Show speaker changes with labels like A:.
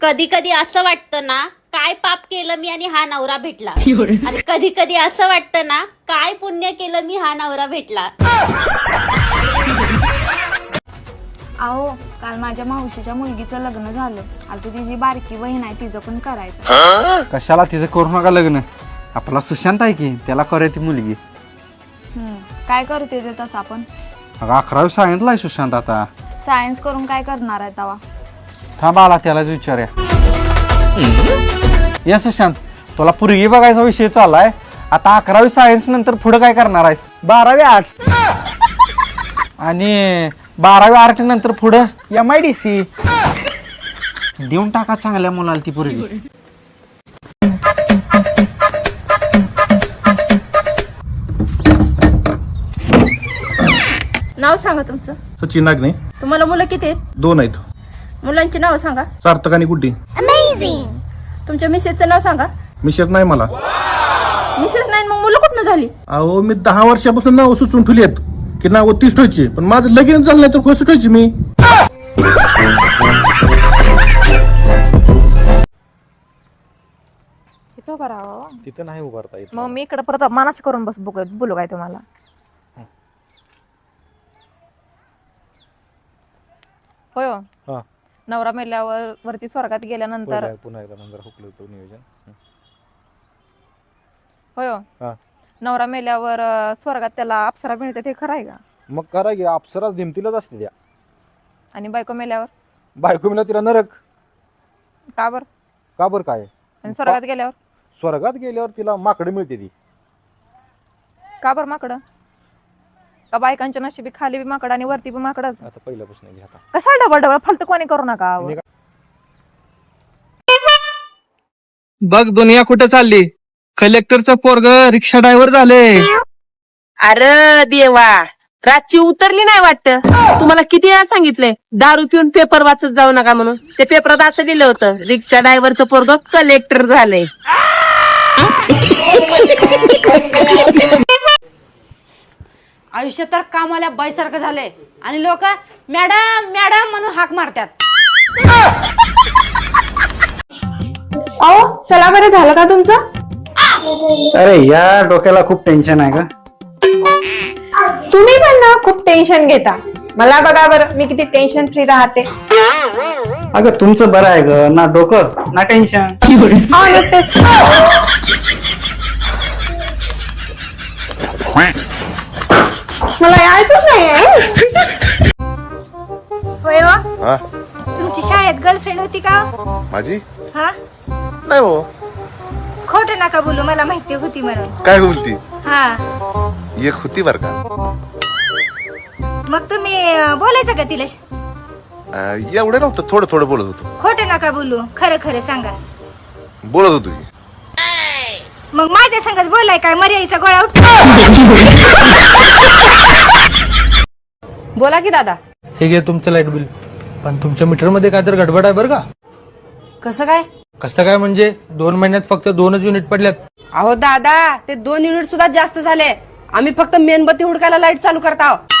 A: कधी कधी असं वाटतं ना, काय पाप केलं मी आणि हा नवरा भेटला. आणि कधी कधी असं वाटतं ना, काय पुण्य केलं मी हा नवरा भेटला.
B: अहो, काल माझ्या मावशीच्या मुलगीचं लग्न झालं. आता तिची बारकी बहीण आहे, तिचं पण करायचं.
C: कशाला तिचं करू नका लग्न. आपला सुशांत आहे की, त्याला करूया ती मुलगी.
B: काय करते ते तसं आपण?
C: अगं 11वी सायन्सला आहे सुशांत आता.
B: सायन्स करून काय करणार आहे तवा?
C: थांब आला त्यालाच विचारूया. ये सुशांत, तुला पूर्वी बघायचा विषय चाललाय. आता 11वी सायन्स नंतर पुढे काय करणार आहेस? 12वी आर्ट्स आणि 12वी आर्ट नंतर पुढं MIDC. देऊन टाका चांगल्या मुलाला ती पूर्वी.
D: नाव सांगा तुमचं.
E: सचिन नागणे.
D: तुम्हाला मुलं किती आहेत?
E: 2 आहेत.
D: मुलांची नाव सांगा.
E: सार्थक आणि गुड्डी.
D: तुमच्या मिसेसचं नाव सांगा.
E: मिशेत नाही मला.
D: मिसेस नाही मग मुलं कुठनं झाली?
E: अहो मी 10 वर्षापासून नाव सुचून ठेवली आहेत की नाव 30 ठेवायची, पण माझं लगीन झालं नाही तर कसं ठेवायची मी?
C: तिथं नाही उभारता येत.
D: मग मी इकडे परत मानस करून बोलू काय तुम्हाला? होय हो.
C: हा.
D: नवरा मेल्यावर वरती स्वर्गात गेल्यानंतर
C: पुन्हा एकदा नंतर हुकलं होतं नियोजन.
D: होय हो.
C: हा.
D: नवरा मेल्यावर स्वर्गात त्याला अप्सरा मिळते, ते खरं आहे का?
C: मग करा की, अप्सराच दिमतीलाच असते त्या.
D: आणि बायको मेल्यावर
C: बायको मिळा तिला नरक.
D: का बर?
C: का बरं काय?
D: आणि स्वर्गात गेल्यावर
C: स्वर्गात गेल्यावर तिला माकडे मिळते ती.
D: का बर माकडं? का बायकांच्या नशिबी खाली बी माकड आणि वरती बी माकडच?
C: आता पहिल्यापासून घ्या.
D: कसा डबल डबल फालतू कोणी करू नका.
F: बघ दुनिया कुठे चालली. कलेक्टरचं पोरग रिक्षा ड्रायव्हर झाले.
G: अरे देवा, रातची उतरली नाही वाटत. तुम्हाला किती वेळा सांगितलंय दारू पिऊन पेपर वाचत जाऊ नका म्हणून. ते पेपरात असं लिहिलं होतं, रिक्षा ड्रायव्हरचं पोरग कलेक्टर झालंय.
H: आयुष्य तर कामाला बाईसारखं झालंय आणि लोक मॅडम मॅडम म्हणून हाक मारतात.
D: अहो चला बरं, झालं का तुमचं?
C: अरे या डोक्याला खूप टेन्शन आहे का?
D: तुम्ही पण ना खूप टेन्शन घेता. मला बघा बरं, मी किती टेन्शन फ्री राहते.
C: अगं तुमचं बरं आहे ग, ना डोकं ना टेन्शन.
D: मला यायचंच नाही.
H: होय हो?
I: हा
H: तुमची शाळेत गर्लफ्रेंड होती का?
I: माझी
H: हा,
I: नाही हो.
H: खोट नका बोलू, मला माहिती होती म्हणून.
I: काय बोलती?
H: हा,
I: एक होती बर का.
H: मग तुम्ही बोलायचं का तिला?
I: एवढं नव्हतं, थोडं थोडं बोलत होतो.
H: खोट नका बोलू, खरं खरं सांगा.
I: बोलत होतो की.
H: मग माझ्या संगच बोलाय काय मर्यादेचा गोळा उठ.
D: बोला की दादा.
F: हे घे तुमचं लाईट बिल. पण तुमच्या मीटर मध्ये काय तर गडबड आहे बरं का?
H: कसं काय?
F: कसं काय म्हणजे 2 महिन्यात फक्त 2च युनिट पडल्यात.
H: अहो दादा, ते 2 युनिट सुद्धा जास्त झाले. आम्ही फक्त मेणबत्ती हुडकायला लाईट चालू करत आहोत.